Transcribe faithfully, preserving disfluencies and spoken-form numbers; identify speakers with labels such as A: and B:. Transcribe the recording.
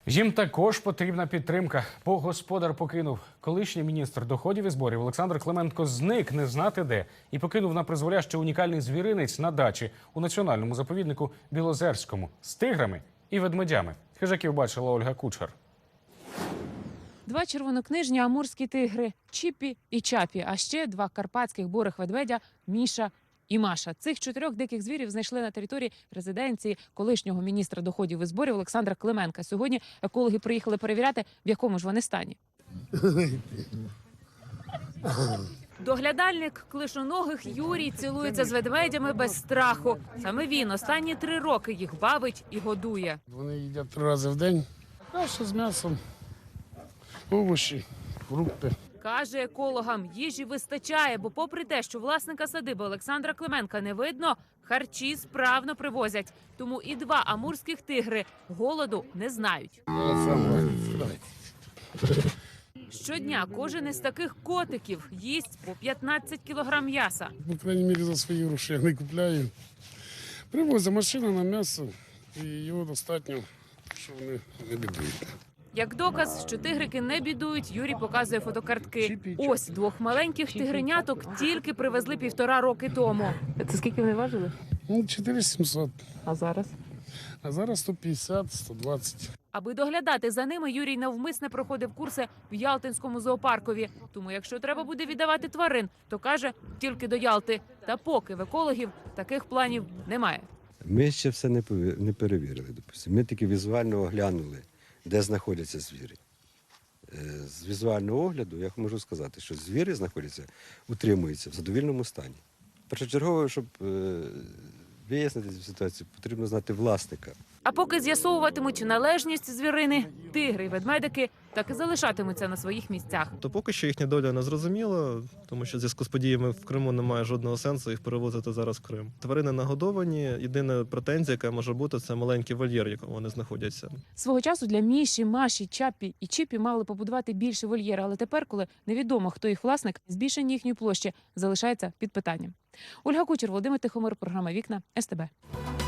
A: Їм також потрібна підтримка, бо господар покинув. Колишній міністр доходів і зборів Олександр Клименко зник не знати де і покинув на призволяще унікальний звіринець на дачі у національному заповіднику Білозерському з тиграми і ведмедями. Хижаків бачила Ольга Кучер.
B: Два червонокнижні амурські тигри – Чіпі і Чапі, а ще два карпатських бурих ведмедя – Міша і Маша. Цих чотирьох диких звірів знайшли на території резиденції колишнього міністра доходів і зборів Олександра Клименка. Сьогодні екологи приїхали перевіряти, в якому ж вони стані. Доглядальник клишоногих Юрій цілується з ведмедями без страху. Саме він останні три роки їх бавить і годує.
C: Вони їдять три рази в день. Каша з м'ясом, овочі, фрукти.
B: Каже, екологам їжі вистачає, бо попри те, що власника садиби Олександра Клименка не видно, харчі справно привозять. Тому і два амурських тигри голоду не знають. Щодня кожен із таких котиків їсть по п'ятнадцять кілограм м'яса.
C: По крайній мірі за свої гроші я не купляю. Привозить машина на м'ясо і його достатньо, що вони не бідують.
B: Як доказ, що тигрики не бідують, Юрій показує фотокартки. Ось двох маленьких тигреняток тільки привезли півтора роки тому. Це скільки вони важили?
C: Ну, чотири сімсот.
B: А зараз?
C: А зараз сто п'ятдесят - сто двадцять.
B: Аби доглядати за ними, Юрій навмисне проходив курси в Ялтинському зоопаркові. Тому якщо треба буде віддавати тварин, то каже, тільки до Ялти. Та поки в екологів таких планів немає.
D: Ми ще все не пові- не перевірили. Допустимо. Ми тільки візуально оглянули, де знаходяться звірі. Е, З візуального огляду я можу сказати, що звірі знаходяться, утримуються в задовільному стані. Першочергово, щоб е, вияснити цю ситуацію, потрібно знати власника.
B: А поки з'ясовуватимуть належність звірини, тигри й ведмедики так і залишатимуться на своїх місцях.
E: То поки що їхня доля не зрозуміла, тому що в зв'язку з подіями в Криму немає жодного сенсу їх перевозити зараз в Крим. Тварини нагодовані. Єдина претензія, яка може бути, це маленький вольєр, в якому вони знаходяться.
B: Свого часу для Міші, Маші, Чапі і Чіпі мали побудувати більше вольєр, але тепер, коли невідомо, хто їх власник, збільшення їхньої площі залишається під питанням. Ольга Кучер, Володимир Тихомир, програма «Вікна», ес те бе.